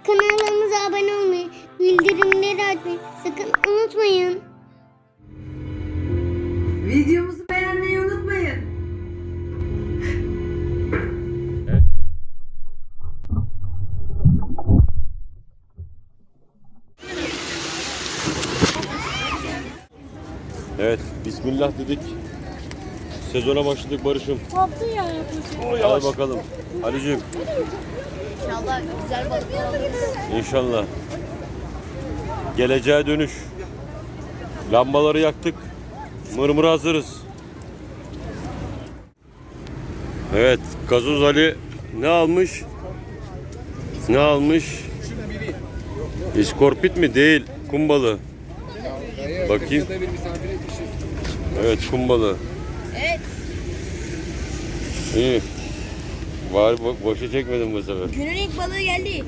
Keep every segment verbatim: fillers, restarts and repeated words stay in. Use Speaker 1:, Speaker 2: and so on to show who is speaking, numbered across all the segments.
Speaker 1: Kanalımıza abone olmayı, bildirimleri açmayı sakın unutmayın.
Speaker 2: Videomuzu beğenmeyi unutmayın.
Speaker 3: Evet, bismillah dedik. Sezona başladık Barış'ım.
Speaker 4: Koptu ya yapacak.
Speaker 3: Hadi bakalım. Ali'cim
Speaker 4: İnşallah güzel balıklar alırız.
Speaker 3: inşallah. Geleceğe dönüş. Lambaları yaktık. Mırmır hazırız. Evet, Gazoz Ali ne almış? Ne almış? İskorpit mi? Değil. Kum balığı. Bakayım. Evet, kum balığı.
Speaker 4: Evet.
Speaker 3: İyi. Var bo- boşa çekmedim bu sefer.
Speaker 4: Günün ilk balığı geldi.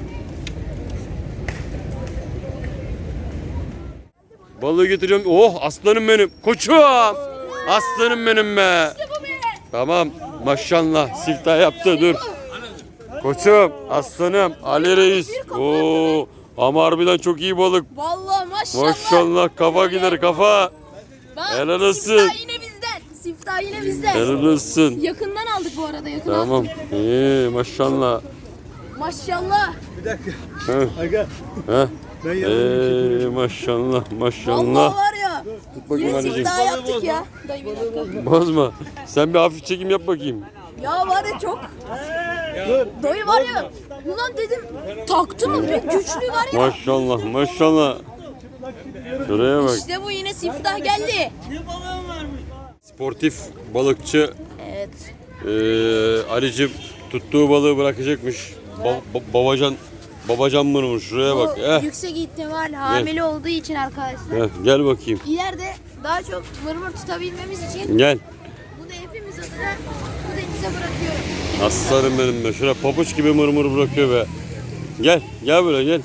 Speaker 3: Balığı getireceğim. Oh aslanım benim. Koçum. Aslanım benim be. Tamam. Maşallah. Siftah yaptı. Dur. Koçum. Aslanım. Ali Reis. Oo. Ama harbiden çok iyi balık.
Speaker 4: Vallahi maşallah.
Speaker 3: Maşallah. Kafa gider kafa.
Speaker 4: Bak,
Speaker 3: Helal olsun.
Speaker 4: Siftah yine bizden. Siftah yine bizden.
Speaker 3: Helal olsun.
Speaker 4: Yakından aldık bu arada. Yakından
Speaker 3: Tamam.
Speaker 4: aldık.
Speaker 3: İyi maşallah.
Speaker 4: Maşallah.
Speaker 3: Heh. Heh. Ee, maşallah maşallah.
Speaker 4: Vallahi var ya.
Speaker 3: Tut bakayım
Speaker 4: Yine
Speaker 3: Ali'cim.
Speaker 4: siftah yaptık ya. Dayı bir dakika.
Speaker 3: Bozma. Sen bir hafif çekim yap bakayım.
Speaker 4: Ya var ya çok. Dayı var ya. Ulan dedim taktı mı bir güçlü var ya.
Speaker 3: Maşallah maşallah. Şuraya bak.
Speaker 4: İşte bu yine siftah geldi.
Speaker 3: Sportif balıkçı
Speaker 4: Evet.
Speaker 3: eee Ali'cim tuttuğu balığı bırakacakmış. Ba- ba- babacan babacan mırmır şuraya bak.
Speaker 4: Bu
Speaker 3: Eh,
Speaker 4: yüksek ihtimal hamile olduğu için arkadaşlar.
Speaker 3: eh, gel bakayım.
Speaker 4: İleride daha çok mırmır tutabilmemiz için
Speaker 3: Gel.
Speaker 4: bunu hepimiz adına bu denize bırakıyorum.
Speaker 3: Aslanım benim be. Şuraya pabuç gibi mırmır bırakıyor be. Gel. Gel böyle gel.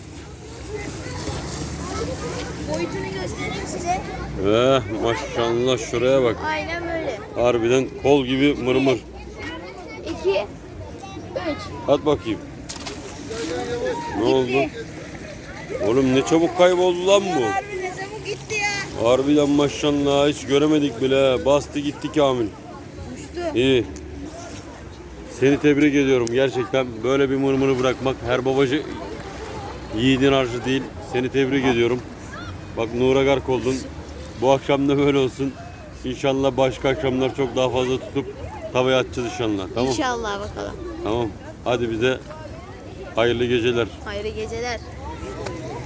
Speaker 4: Boyutunu göstereyim size.
Speaker 3: Eh, maşallah şuraya bak.
Speaker 4: Aynen böyle.
Speaker 3: Harbiden kol gibi mırmır.
Speaker 4: iki, üç.
Speaker 3: At bakayım. Ne oldu? Oğlum ne çabuk kayboldu lan bu.
Speaker 4: Harbi ne çabuk gitti ya.
Speaker 3: Harbiden maşallah hiç göremedik bile. Bastı gitti Kamil.
Speaker 4: Uçtu.
Speaker 3: İyi. Seni tebrik ediyorum gerçekten. Böyle bir mırmırı bırakmak her babacı yiğidin harcı değil. Seni tebrik ediyorum. Bak Nura Gark oldun. Bu akşam da böyle olsun. İnşallah başka akşamlar çok daha fazla tutup tavaya atacağız inşallah. Tamam.
Speaker 4: İnşallah bakalım.
Speaker 3: Tamam. Hadi bize hayırlı geceler.
Speaker 4: Hayırlı geceler.